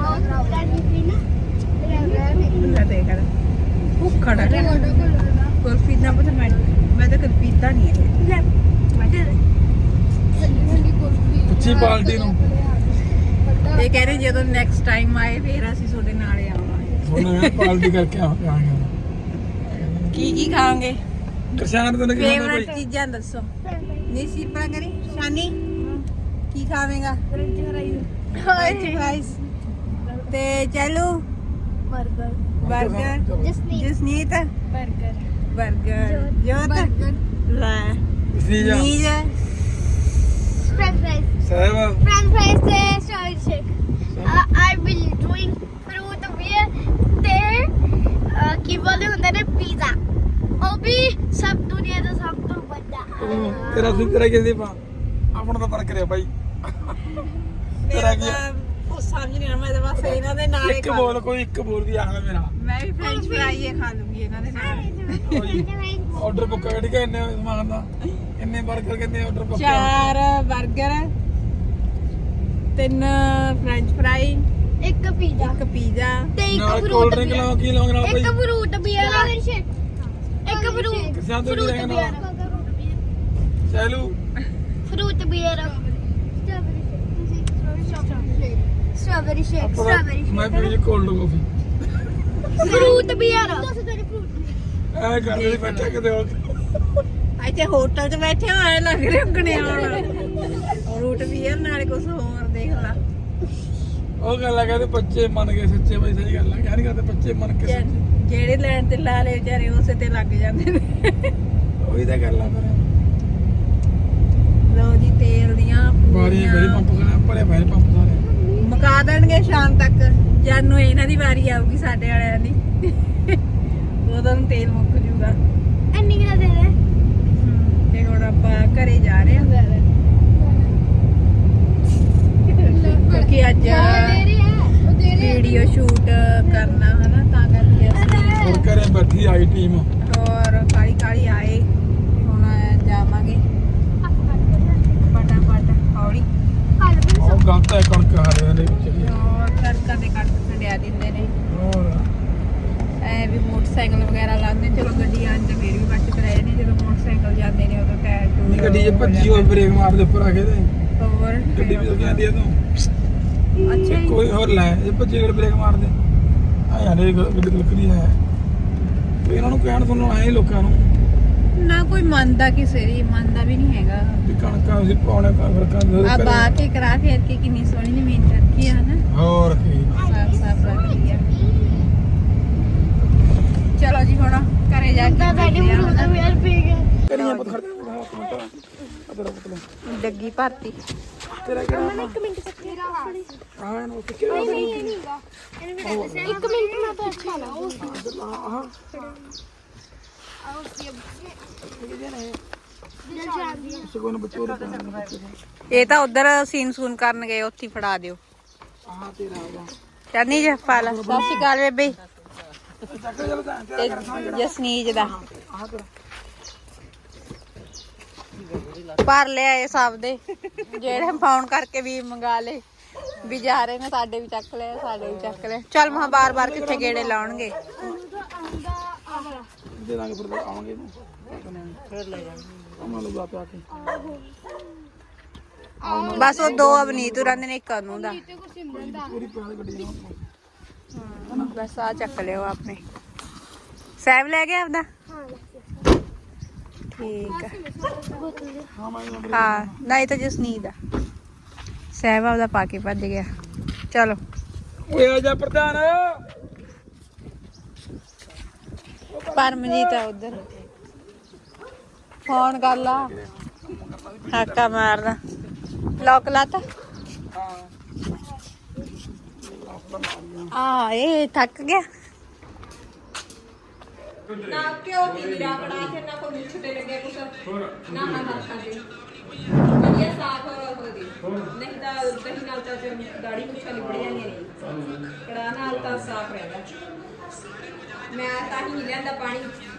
B: ਲੈ ਦੇਖ ਕਰ ਭੁੱਖੜ ਕੁਲਫੀ ਨਾ ਪਤਾ ਮੈਂ ਤਾਂ ਕਦੇ ਪੀਤਾ ਨਹੀਂ ਹੈ
C: ਪੁੱਛੀ ਪਾਰਟੀ ਨੂੰ
B: ਇਹ ਕਹਿ ਰਹੇ ਜਦੋਂ ਨੈਕਸਟ ਟਾਈਮ ਆਏ ਫੇਰ ਅਸੀਂ ਤੁਹਾਡੇ ਨਾਲ ਹੀ ਆਵਾਂਗੇ
C: ਉਹਨੇ ਪਾਰਟੀ ਕਰਕੇ ਆ ਗਿਆ
B: ਕੀ ਖਾਓਗੇ
C: ਕਿਸਾਨ ਤੋਂ ਨਿਕਲਣਾ
B: ਫੇਵਰਟ
C: ਭਾਈ
B: ਚੀਜ਼ਾਂ ਦੱਸੋ ਨਹੀਂ ਸਿਰਪਾ ਕਰੀ ਸ਼ਾਨੀ ਕੀ ਖਾਵੇਂਗਾ ਫਰਾਈਜ਼ ਤੇ ਚਲੋ ਬਰਗਰ ਜਸਨੀਤ ਬਰਗਰ ਜੋਤ ਲੈ
C: ਸੀ ਜਾ
B: ਨੀਜ
A: French fries.
C: ਸਹਿਬ
A: French fries ਤੇ strawberry shake. I will doing fruit beer ਤੇ ਕੀ ਬੋਲਦੇ ਹੁੰਦੇ ਨੇ ਪੀਜ਼ਾ। ਉਹ ਵੀ ਸਭ ਦੁਨੀਆ ਦਾ ਸਭ ਤੋਂ ਵੱਡਾ।
C: ਤੇਰਾ ਸੀ ਤੇਰਾ ਕਹਿੰਦੇ ਪਾ ਆਪਣਾ ਤਾਂ ਫਰਕ ਰਿਹਾ ਭਾਈ ਤੇਰਾ ਕੀ
B: ਉਹ ਸਮਝ ਨਹੀਂ ਆ ਮੈਂ ਤਾਂ ਬਸ ਇਹਨਾਂ ਦੇ ਨਾਲ ਹੀ
C: ਇੱਕ
B: ਖਾ
C: ਬੋਲ ਕੋਈ ਇੱਕ ਬੋਲ ਵੀ ਆਖਦਾ ਮੇਰਾ
B: ਮੈਂ ਵੀ ਫ੍ਰੈਂਚ ਫਰਾਈ ਖਾ ਲੂੰਗੀ ਇਹਨਾਂ ਦੇ ਨਾਲ
C: ਆਰਡਰ ਬੁੱਕ ਕਰ ਕੇ ਇੰਨੇ ਸਮਾਨ ਦਾ ਇੰਨੇ 버ਗਰ ਕਿੰਨੇ ਆਰਡਰ ਬੁੱਕ
B: 4 버ਗਰ 3 ਫ੍ਰੈਂਚ ਫਰਾਈ
A: ਇੱਕ ਪੀਜ਼ਾ
B: ਇੱਕ ਪੀਜ਼ਾ
A: ਤੇ ਇੱਕ
C: ਨਾਲ
A: ਫਰੂਟ
C: ਕੋਲਡ ਡਰਿੰਕ ਲਾਓ ਕੀ ਲਾਉਂਗੇ ਨਾਲ ਭਾਈ
A: ਇੱਕ ਫਰੂਟ ਬੀਅਰ ਇੱਕ ਫਰੂਟ
C: ਕਿਸੇ ਤੋਂ ਵੀ ਰਹਿਣਾ ਚਲੂ
A: ਫਰੂਟ ਬੀਅਰ ਸਟ੍ਰਾਬੇਰੀ ਸ਼ੇਕ
C: ਮੈਂ ਪੀਣੀ ਕੋਲਡ ਕਾਫੀ
A: ਫਰੂਟ ਬੀਅਰ
C: ਐ ਗੱਲ ਨਹੀਂ ਬੈਠਾ ਕਿਤੇ ਹੋਰ
B: ਇੱਥੇ ਹੋਟਲ 'ਚ ਬੈਠੇ ਹੋਏ ਲੱਗ ਰਹੇ ਉਗਣੇ ਆਉਣ ਰੂਟ ਵੀ ਹੈ ਨਾਲੇ ਕੁਝ ਹੋਰ ਦੇਖ ਲਾ
C: ਉਹ ਗੱਲ ਆ ਕਹਿੰਦੇ ਬੱਚੇ ਮੰਨ ਗਏ ਸੱਚੇ ਬਈ ਸਹੀ ਗੱਲ ਆ ਯਾਰ ਨਹੀਂ ਕਹਿੰਦੇ ਬੱਚੇ ਮੰਨ ਕੇ ਸੱਚੇ
B: ਜਿਹੜੇ ਲੈਣ ਤੇ ਲਾ ਲਏ ਵਿਚਾਰੇ ਉਸੇ ਤੇ ਲੱਗ ਜਾਂਦੇ ਨੇ
C: ਉਹੀ ਤਾਂ ਗੱਲ ਆ ਫਿਰ
B: ਲੋ ਜੀ ਤੇਲ ਦੀਆਂ
C: ਬਾਰੀ ਬੜੀ ਪੰਪ ਕਰਾ ਭਰੇ ਭਾਈ ਪੰਪ ਸਾਰੇ
B: ਮੁਕਾ ਦੇਣਗੇ ਸ਼ਾਮ ਤੱਕ ਜਾਨੂੰ ਇਹਨਾਂ ਦੀ ਵਾਰੀ ਆਊਗੀ ਸਾਡੇ ਵਾਲਿਆਂ ਦੀ ਉਦੋਂ ਨੂੰ ਤੇਲ ਮੁੱਕ ਜੂਗਾ
A: ਇੰਨੀ ਕਿਹੜਾ ਦੇ ਦੇ
B: ਤੇ ਹੁਣ ਆਪਾਂ ਘਰੇ ਜਾ ਰਹੇ ਹਾਂ ਕਿਉਂਕਿ ਅੱਜ ਵੀਡੀਓ ਸ਼ੂਟ ਕਰਨਾ ਹਨਾ ਤਾਂ ਕਰਕੇ ਅਸੀਂ
C: ਹੋਰ ਘਰੇ ਬੈਠੀ ਆਈ ਟੀਮ
B: ਔਰ ਕਾਲੀ ਆਏ ਹੁਣ ਜਾਵਾਂਗੇ ਫਟਾਫਟ ਹੌਲੀ
C: ਉਹ ਗਲਤ ਹੈ ਕਣਕ ਹਾਰੇ ਦੇ ਵਿੱਚ
B: ਔਰ ਕਣਕਾਂ ਦੇ ਕੱਟ ਛੱਡਿਆ ਦਿੰਦੇ ਨੇ
C: ਹੋਰ
B: ਐ ਵੀ ਮੋਟਰਸਾਈਕਲ ਵਗੈਰਾ ਲਾਉਂਦੇ ਚਲੋ ਗੱਡੀ ਆਂ ਤੇ ਫੇਰ ਵੀ ਬਚਤ ਰਹੇ ਨੇ ਜਦੋਂ ਮੋਟਰਸਾਈਕਲ ਜਾਂਦੇ ਨੇ ਉਦੋਂ ਟਾਇਰ
C: ਨਹੀਂ ਗੱਡੀ 'ਚ ਭੱਜੀ ਹੋਈ ਬ੍ਰੇਕ ਮਾਰਦੇ ਉੱਪਰ ਆ ਕੇ ਤੇ
B: ਹੋਰ
C: ਗੱਡੀ ਵੀ ਲੱਗੀ ਜਾਂਦੀ ਹੈ ਤੂੰ
B: ਅੱਛਾ ਜੀ।
C: ਕੋਈ ਹੋਰ ਲੈ ਇਹ ਭੱਜੀ ਗੱਡੀ ਬ੍ਰੇਕ ਮਾਰਦੇ ਆ ਯਾਰ ਇਹ ਗੱਡੀ ਲੱਕੜੀ ਹੈ ਤੇ ਇਹਨਾਂ ਨੂੰ ਕਹਿਣ ਸੁਣਨ ਆਏ ਲੋਕਾਂ ਨੂੰ
B: ਨਾ ਕੋਈ ਮੰਨਦਾ ਕਿਸੇ ਦੀ ਮੰਨਦਾ ਵੀ ਨਹੀਂ ਹੈਗਾ
C: ਵੀ ਕਣਕਾਂ ਅਸੀਂ ਪਾਉਣੇ ਫਰਕਾਂ
B: ਆ ਬਾ ਕੇ ਕਰਾ ਫੇਰ ਕੇ ਕਿੰਨੀ ਸੋਹਣੀ ਜ਼ਮੀਨ ਰੱਖੀ ਆ ਨਾ
C: ਹੋਰ ਕੀ
B: ਸਾਫ ਰੱਖੀ ਆ ਚਲੋ ਜੀ ਹੁਣ ਘਰੇ ਜਾ ਕੇ
A: ਦਾਦਾ ਨੇ
B: ਮਿਲਦੇ ਆ।
A: ਫਰੂਟ ਬੀਅਰ ਪੀ ਗਏ
C: ਕਰੀਆਂ ਪਤ ਖੜਦੇ ਤੇਰਾ ਪੁੱਤਲਾ
B: ਡੱਗੀ ਭਰਤੀ।
C: ਤੇਰਾ ਕਿਹੜਾ
A: ਮੈਂ 1 ਮਿੰਟ ਤੱਕ ਮੇਰਾ ਆਪਣੀ
C: ਹਾਂ ਇਹਨੂੰ ਕਿੱਥੇ
A: ਨਹੀਂ ਇਹ ਨਹੀਂਗਾ ਇਹਨੂੰ ਵੀ ਦੱਸ 1 ਮਿੰਟ ਮੈਂ ਤਾਂ ਅੱਛਾ ਲਾ ਉਹ ਆਓ ਕੀ ਦਿਲ ਸ਼ਾਂਤੀ
C: ਸਗੋਂ ਬੱਚੋ
B: ਇਹ ਤਾਂ ਉਧਰ ਸੀਨ ਸੂਨ ਕਰਨ ਗਏ, ਉੱਥੇ ਹੀ ਫੜਾ ਦਿਓ।
C: ਆਹ ਤੇਰਾ ਆ
B: ਚੰਨੀ ਜੇ ਪਾ ਲਾ। ਸਤਿ ਸ਼੍ਰੀ ਅਕਾਲ ਬੇਬੇ।
C: ਚੱਕ ਚੱਲ ਤਾਂ
B: ਤੇ ਜਸਨੀਜ ਦਾ
C: ਆਹ ਤੇਰਾ
B: ਭਰ ਲਿਆ ਇਹ ਸਭ ਦੇ, ਜਿਹੜੇ ਫੋਨ ਕਰਕੇ ਵੀ ਮੰਗਾ ਲੇ ਵੀ ਜਾ ਰਹੇ ਨੇ, ਸਾਡੇ ਵੀ ਚੱਕ ਲਿਆ, ਸਾਡੇ ਵੀ ਚੱਕ ਲਿਆ। ਚੱਲ ਮਹਾ ਬਾਰ-ਬਾਰ ਕਿੱਥੇ ਗੇੜੇ ਲਾਉਣਗੇ।
C: ਦੇ ਦਾਂਗੇ ਫਿਰ ਆਵਾਂਗੇ ਫਿਰ ਲੈ ਜਾਵਾਂਗੇ ਅਮਾ ਲਗਾ ਪਿਆ ਕੇ
B: ਬਸ ਉਹ ਦੋ ਅਵਨੀਤ ਰਹਿੰਦੇ ਨੇ, ਇੱਕ ਅਨੂ ਦਾ।
C: ਪੂਰੀ ਪਿਆਰ ਗੱਡੀ ਜਾਵਾਂ
B: ਬਸ ਆ ਚੱਕ ਲਿਓ ਆਪਣੇ। ਸੈਬ ਲੈ ਗਿਆ ਆਪਦਾ? ਠੀਕ ਆ।
C: ਹਾਂ ਮੈਂ
B: ਹਾਂ ਨਹੀਂ ਤਾਂ ਜਸਨੀਤ ਆ। ਸੈਬ ਆਪਦਾ ਪਾ ਕੇ ਭੱਜ ਗਿਆ। ਚਲੋ
C: ਓਏ ਆ ਜਾ ਪ੍ਰਧਾਨ
B: ਪਰਮਜੀਤ ਆ ਉਧਰ, ਫੋਨ ਕਰ ਲਾ। ਹਾਕਾ ਮਾਰਦਾ। ਲੋਕ ਲਾਤਾ। ਆ ਇਹ ਥੱਕ ਗਿਆ ਨਾ। ਕਿਉਂ ਨਹੀਂ ਮੇਰਾ ਬੜਾ ਤੇ ਨਾ ਕੋਈ ਛੁੱਟੇ ਲੱਗੇ ਕੁਛ ਨਾ ਨਾ ਹੱਥਾਂ ਤੇ ਵਧੀਆ ਸਾਫ ਹੋ ਗਈ। ਨਹੀਂ ਤਾਂ ਦਹੀਂ ਨਾਲ ਤਾਂ ਦਾੜੀ ਮੁੱਛਾਂ ਲਿਬੜ ਜਾਂਦੀਆਂ ਨੇ, ਕੜਾ ਨਾਲ ਤਾਂ ਸਾਫ ਰਹਿੰਦਾ। ਮੈਂ ਤਾਂ ਹੀ ਨਹੀਂ ਲੈਂਦਾ ਪਾਣੀ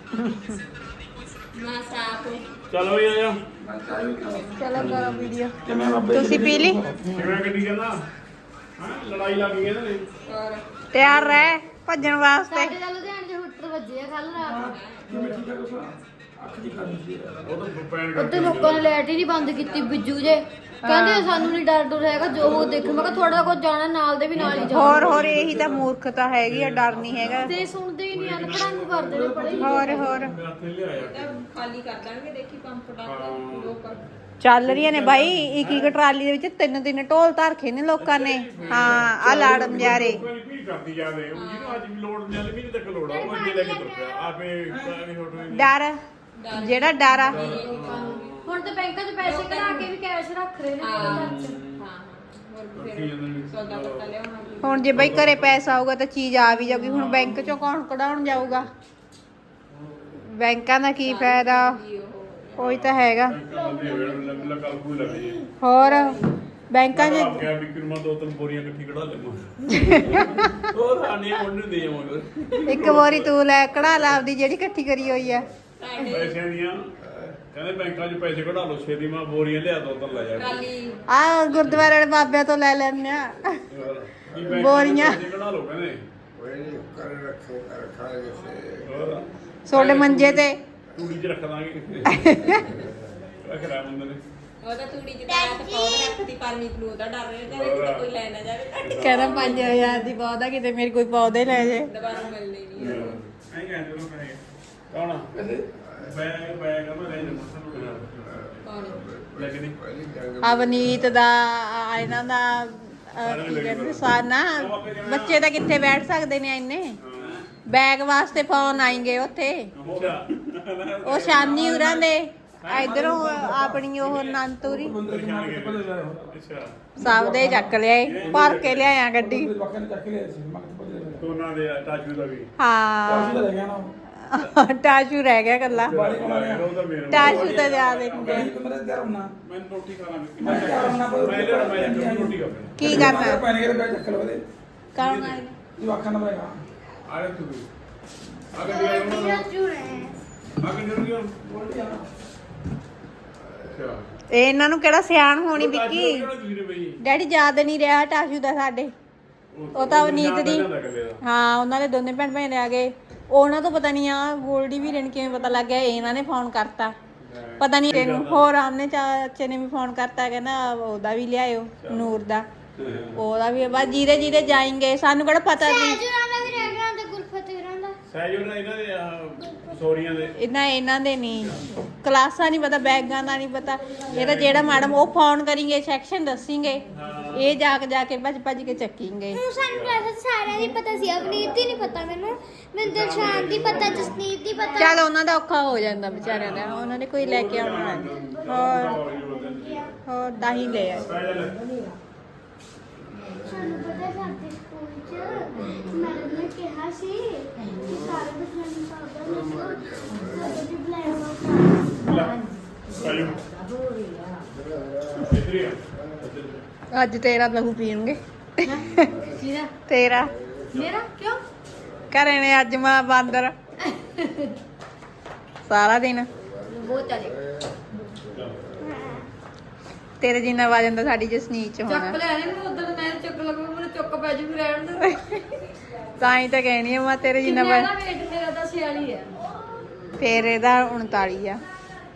B: ਨਾ ਸਾਫ।
E: ਚਲੋ ਵੀ ਆਇਆ
B: ਚਲੋ ਕਰੋ ਵੀਡੀਓ।
C: ਕਿਵੇਂ ਬਾਬੇ
B: ਤੁਸੀਂ ਪੀ ਲਈ?
E: ਕਿਵੇਂ ਗੱਡੀ ਕਹਿੰਦਾ ਹਾਂ ਲੜਾਈ ਲੱਗ ਗਈ ਇਹਨਾਂ ਦੀ।
B: ਤਿਆਰ ਰਹਿ ਭੱਜਣ ਵਾਸਤੇ।
A: ਸਾਡੇ ਦਾ ਲੁਧਿਆਣੇ ਦੇ ਹੁੱਟਰ ਵੱਜੇ ਆ ਕੱਲ ਰਾਤ।
C: ਅੱਖ ਦੀ ਖਾਣੀ ਸੀ
E: ਉਹ ਤਾਂ ਪੈਣ
A: ਉੱਤੇ ਲੋਕਾਂ ਨੇ ਲਾਈਟ ਹੀ ਨਹੀਂ ਬੰਦ ਕੀਤੀ ਬਿੱਜੂ ਜੇ ਕਹਿੰਦੇ ਸਾਨੂੰ ਨਹੀਂ ਡਰ ਡਰ ਹੈਗਾ ਜੋ ਉਹ ਦੇਖ। ਮੈਂ ਕਿਹਾ ਥੋੜਾ ਕੁਝ ਜਾਣਾ ਨਾਲ ਦੇ ਵੀ ਨਾਲ ਹੀ ਜਾਓ।
B: ਹੋਰ ਇਹੀ ਤਾਂ ਮੂਰਖਤਾ ਹੈਗੀ ਆ, ਡਰ ਨਹੀਂ ਹੈਗਾ।
A: ਤੇ ਸੁਣਦੇ ਹੀ ਨਹੀਂ ਅਨਪੜਾਂ ਨੂੰ ਕਰਦੇ ਨੇ ਪੜੇ
B: ਹੋਰ
E: ਹੱਥੇ ਲਿਆਇਆ
B: ਖਾਲੀ ਕਰ ਦਾਂਗੇ। ਦੇਖੀ ਪੰਪ ਡਾਕ ਚੱਲ ਰਹੀਆਂ ਨੇ ਬਾਈ। ਇੱਕ ਇੱਕ ਟਰਾਲੀ ਦੇ ਵਿੱਚ 3-3 ਢੋਲ ਧਰਖੇ ਨੇ ਲੋਕਾਂ ਨੇ। ਹਾਂ ਆ ਲਾੜਮ ਜਾ ਰਹੇ।
E: ਕੋਈ ਵੀ ਕਰਦੀ ਜਾਵੇ ਉਹ ਜਿਹਨੂੰ ਅੱਜ ਵੀ ਲੋੜ ਨਹੀਂ ਆਲੇ ਵੀ ਤੱਕ ਲੋੜ ਆ ਉਹ ਅੱਗੇ ਲੈ ਕੇ ਤੁਰ ਪਿਆ ਆਪੇ ਕਾਹੀ ਹੋਟੋ
B: ਡਰ ਜਿਹੜਾ ਡਰ ਆ।
A: ਹੁਣ ਤਾਂ ਬੈਂਕਾਂ 'ਚ ਪੈਸੇ ਕਢਾ ਕੇ ਵੀ ਕੈਸ਼ ਰੱਖ ਰਹੇ ਨੇ ਘਰ 'ਚ।
B: ਹੁਣ ਜੇ ਬਈ ਘਰੇ ਪੈਸਾ ਆਊਗਾ ਤਾਂ ਚੀਜ਼ ਆ ਵੀ ਜਾਊਗੀ। ਹੁਣ ਬੈਂਕ ਚੋਂ ਕੌਣ ਕਢਾਉਣ ਜਾਊਗਾ? ਬੈਂਕਾਂ ਦਾ ਕੀ ਫਾਇਦਾ? ਕੋਈ ਤਾਂ ਹੈਗਾ।
E: ਲੱਗਾ ਕੋਈ ਲੱਗੇ
B: ਹੋਰ ਬੈਂਕਾਂ 'ਚ
E: ਆ ਗਿਆ ਵੀ ਕਿਰਮਾ ਦੋ ਤਿੰਨ ਬੋਰੀਆਂ ਇਕੱਠੀ ਕਢਾ ਲੈਵਾਂ ਹੋਰ ਆਨੇ ਉਹਨੂੰ ਦੇ ਆਵਾਂਗੇ।
B: ਇੱਕ ਵਾਰੀ ਤੂੰ ਲੈ ਕਢਾ ਲਾ ਆਪਦੀ ਜਿਹੜੀ ਇਕੱਠੀ ਕਰੀ ਹੋਈ ਆ।
E: ਪੈਸਿਆਂ ਦੀਆਂ ਕਹਿੰਦੇ ਬੈਂਕਾਂ 'ਚ ਪੈਸੇ ਕਢਾ ਲਓ ਛੇਤੀ ਮੈਂ ਬੋਰੀਆਂ ਲਿਆ ਦੋ ਤਿੰਨ ਲੈ ਜਾ
B: ਆ ਗੁਰਦੁਆਰੇ ਵਾਲੇ ਬਾਬਿਆਂ ਤੋਂ ਲੈ ਲੈਣੇ ਆ ਬੋਰੀਆਂ।
E: ਕਢਾ ਲਓ ਕਹਿੰਦੇ ਹੋਰ
B: ਸੋਡੇ ਮੰਜੇ ਤੇ
E: ਟੂੜੀ 'ਚ ਰੱਖ ਦਾਂਗੇ ਰੱਖ ਰਾਂ ਮੁੰਡੇ ਨੇ
B: ਉਹਦਾ ਤੂੜੀ ਜਿੱਦਾਂ ਤੇ ਪੌਦਾ ਰੱਖਦੀ ਪਰਮੀਤ ਨੂੰ ਉਹਦਾ ਡਰ ਰਿਹਾ ਕਿ ਕੋਈ ਲੈ ਨਾ ਜਾਵੇ। ਕਹਿੰਦਾ 5000 ਦੀ ਪੌਦਾ ਕਿਤੇ ਮੇਰੇ ਕੋਈ ਪੌਦੇ ਲੈ ਜੇ ਦੁਬਾਰਾ ਮਿਲਣੀ ਨਹੀਂ।
E: ਐਂ ਕਹਿੰਦੇ ਲੋਕ ਕਹੇ ਕੌਣ ਬੈਗ ਬੈਗ ਮੈਂ ਲੈ ਜਾਵਾਂ ਲੱਗਦੀ
B: ਅਵਨੀਤ ਦਾ ਇਹਨਾਂ ਦਾ ਕੀ ਕਹਿੰਦੇ ਸਾਨਾ ਬੱਚੇ ਤਾਂ ਕਿੱਥੇ ਬੈਠ ਸਕਦੇ ਨੇ ਇੰਨੇ। ਬੈਗ ਵਾਸਤੇ ਫੋਨ ਆਏਗੇ ਉੱਥੇ। ਉਹ ਸ਼ਾਨੀ ਉਰਾਂ ਦੇ ਇਧਰੋਂ ਆਪਣੀ ਉਹ ਨੰਤੂਰੀ
E: ਅੱਛਾ
B: ਸਭ ਦੇ ਚੱਕ ਲਿਆਏ, ਭਰ ਕੇ ਲਿਆਇਆ ਗੱਡੀ।
C: ਬਾਕੀ ਨੇ ਚੱਕ ਲਿਆ ਸੀ ਮੈਂ ਕਿਹਾ ਪਤਾ
E: ਦੋਨਾਂ ਦੇ ਟਾਚੂ ਦਾ ਵੀ
B: ਹਾਂ
C: ਰਹਿ ਗਿਆ ਨਾ
B: ਟਾਸ਼ੂ ਰਹਿ ਗਿਆ ਕੱਲਾ।
C: ਬਾੜੀ ਕੋਲ ਆ ਗਿਆ
E: ਉਹ ਤਾਂ ਮੇਰਾ
B: ਟਾਸ਼ੂ ਤਾਂ ਜ਼ਿਆਦਾ ਹੁੰਦੇ।
C: ਮੇਰੇ ਤਿਆਰ ਹੋਣਾ
E: ਮੈਂ ਰੋਟੀ ਖਾਣਾ
C: ਮੈਂ ਤਿਆਰ ਹੋਣਾ
E: ਮੈਂ ਰੋਟੀ ਖਾਣਾ
B: ਕੀ ਕਰਨਾ
C: ਪੈਣੇ ਕਿਤੇ ਬੈਠ ਚੱਕ ਲਵੇ
B: ਕੌਣ ਆਏ
C: ਜਵਾਖਾਂ ਨਾ ਬੈਗਾ
E: ਆਰੇ ਤੂੰ ਆਗੇ ਵੀ ਆਉਣਾ ਆਗੇ ਜਰੂਰ ਕਿਉਂ
C: ਬੋਲਦੀ ਆ
E: ਅੱਛਾ
B: ਇਹ ਇਹਨਾਂ ਨੂੰ ਕਿਹੜਾ ਸਿਆਣ ਹੋਣੀ ਵਿੱਕੀ।
E: ਤੁਸੀਂ ਨੇ ਬਈ
B: ਡੈਡੀ ਯਾਦ ਨਹੀਂ ਰਿਹਾ ਟਾਸ਼ੂ ਦਾ ਸਾਡੇ। ਉਹ ਤਾਂ ਅਵਨੀਤ ਦੀ ਹਾਂ ਉਹਨਾਂ ਦੇ ਦੋਨੇ ਭੈਣ ਭਾਈ ਆ ਗਏ। ਉਹਨਾਂ ਤੋਂ ਪਤਾ ਨਹੀਂ ਆ ਗੋਲਡੀ ਵੀ ਰਹਿਣ ਕਿਵੇਂ ਪਤਾ ਲੱਗ ਗਿਆ। ਇਹਨਾਂ ਨੇ ਫੋਨ ਕਰਤਾ ਪਤਾ ਨਹੀਂ ਤੈਨੂੰ। ਹੋਰ ਆਮਨੇ ਚਾਚੇ ਨੇ ਵੀ ਫੋਨ ਕਰਤਾ ਕਹਿੰਦਾ ਉਹਦਾ ਵੀ ਲਿਆਇਓ ਨੂਰ ਦਾ ਉਹਦਾ ਵੀ। ਬਸ ਜਿਹਦੇ ਜਿਹਦੇ ਜਾਏਂਗੇ ਸਾਨੂੰ ਕਿਹੜਾ ਪਤਾ ਨਹੀਂ।
A: ਸਹਿਜੁਰਾਂ ਦਾ ਵੀ ਰਹਿ ਗਿਆ ਤੇ ਗੁਰਫਤਿਹਰਾਂ ਦਾ
E: ਸਹਿਜੋ ਨੇ ਇਹਨਾਂ ਦੇ ਸੋਰੀਆਂ ਦੇ
B: ਇਹਨਾਂ ਦੇ ਨਹੀਂ ਕਲਾਸਾਂ ਨਹੀਂ ਪਤਾ, ਬੈਗਾਂ ਦਾ ਨਹੀਂ ਪਤਾ। ਇਹ ਤਾਂ ਜਿਹੜਾ ਮੈਡਮ ਉਹ ਫੋਨ ਕਰੀਂਗੇ ਸੈਕਸ਼ਨ ਦੱਸਿੰਗੇ, ਇਹ ਜਾ ਕੇ ਭੱਜ ਕੇ ਚੱਕਿੰਗੇ।
A: ਹੁਣ ਸਾਨੂੰ ਕਲਾਸ ਸਾਰਿਆਂ ਦੀ ਪਤਾ ਸੀ, ਅਵਨੀਤ ਦੀ ਨਹੀਂ ਪਤਾ ਮੈਨੂੰ ਦਿਲਸ਼ਾਨ ਦੀ ਪਤਾ, ਜਸਨੀਤ ਦੀ ਪਤਾ।
B: ਚੱਲ ਉਹਨਾਂ ਦਾ ਔਖਾ ਹੋ ਜਾਂਦਾ ਵਿਚਾਰਿਆਂ ਦਾ, ਉਹਨਾਂ ਨੇ ਕੋਈ ਲੈ ਕੇ ਆਉਣਾ। ਹੋਰ ਤਾਂ ਹੀ ਲੈ ਆਏ।
A: ਸਾਨੂੰ ਪਤਾ ਸਾਡੇ ਸਕੂਲ 'ਚ ਮੈਡਮ ਨੇ ਕਿਹਾ ਸੀ ਕਿ ਸਾਰੇ ਬੱਚਿਆਂ ਨੂੰ ਪਾਊਡਰ ਮਿਲੋ ਕਦੋਂ ਵੀ ਬਲੈਕ
B: ਅੱਜ ਤੇਰਾ ਲਹੂ ਪੀਣਗੇ। ਤੇਰਾ
D: ਮੇਰਾ ਕਿਉਂ
B: ਘਰੇ ਨੇ ਅੱਜ ਮਾਂ ਬਾਂਦਰ ਸਾਰਾ ਦਿਨ
D: ਬਹੁਤ ਚੱਲੇ
B: ਤੇਰੇ ਜਿੰਨਾ ਵਜਨ ਤਾਂ ਸਾਡੀ ਜਸਨੀਤ ਚ
D: ਚੱਕ
B: ਹੋਣਾ।
D: ਲੈ ਨੇ ਮੈਨੂੰ ਉਦੋਂ ਮੈਂ ਚੱਕ ਲੱਗੂ ਮੈਨੂੰ ਚੁੱਕ ਪੈ ਜੂ ਰਹਿਣ ਦੇ
B: ਤਾਂ ਹੀ ਤਾਂ ਕਹਿਣੀ ਆ ਮੈਂ ਤੇਰੇ ਜਿੰਨਾ
D: ਕਿੰਨਾ ਦਾ weight ਮੇਰਾ ਤਾਂ 46 ਹੈ
B: ਫੇਰ ਇਹਦਾ 39 ਆ।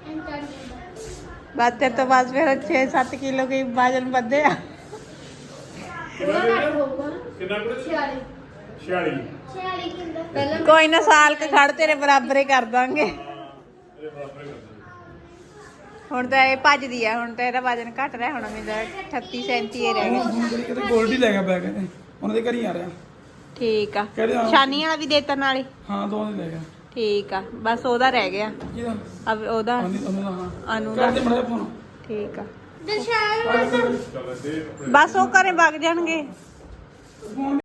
B: ਬਸ ਤੇਰੇ ਤੋਂ ਬਸ ਫਿਰ 6-7 ਕਿਲੋ ਕੀ ਵਜਨ ਵਧਿਆ।
D: ਉਹਦਾ ਘੱਟ ਹੋਊਗਾ ਨਾ
E: ਕਿੰਨਾ ਕੁ
D: 46
E: 46
A: ਛਿਆਲੀ ਕਿੰਦਾ
D: ਪਹਿਲਾਂ
B: ਕੋਈ ਨਾ ਸਾਲ ਕ ਖੜ ਤੇਰੇ ਬਰਾਬਰ ਹੀ ਕਰ ਦਾਂਗੇ।
E: ਇਹਦੇ ਬਰਾਬਰ ਹੀ ਕਰਦੇ
B: ਹੁਣ ਤਾਂ ਇਹ ਭੱਜਦੀ ਆ ਹੁਣ ਤਾਂ ਇਹਦਾ ਵਜਨ ਘਟ ਰਿਹਾ ਹੁਣ ਮੇਰਾ 38-37 ਹੀ ਰਹਿ ਗਿਆ।
C: ਹੁਣ ਕਿਤੇ ਗੋਲਡੀ ਲੈ ਗਿਆ ਬੈਗ ਇਹਨੇ ਉਹਨਾਂ ਦੇ ਘਰ ਹੀ ਆ ਰਿਹਾ।
B: ਠੀਕ ਆ
C: ਕਿਹੜੇ ਆ?
B: ਸ਼ਾਨੀ ਵਾਲਾ ਵੀ ਦੇਤਾ ਨਾਲੇ।
C: ਹਾਂ ਦੋ ਦੇ ਲੈ ਗਿਆ।
B: ਠੀਕ ਆ ਬਸ ਉਹਦਾ ਰਹਿ ਗਿਆ
C: ਕਿਹਦਾ
B: ਅਬ ਉਹਦਾ
C: ਉਹਨੂੰ ਦਾ ਹਾਂ
B: ਅਨੂ ਦਾ।
C: ਕਰਦੇ ਮੜਾ ਫੋਨ
B: ਠੀਕ ਆ
A: ਦਰਸ਼ਾਨ
E: ਚੱਲ ਦੇ
B: ਬਸ ਉਹ ਘਰੇ ਵਗ ਜਾਣਗੇ।
C: ਫੋਨ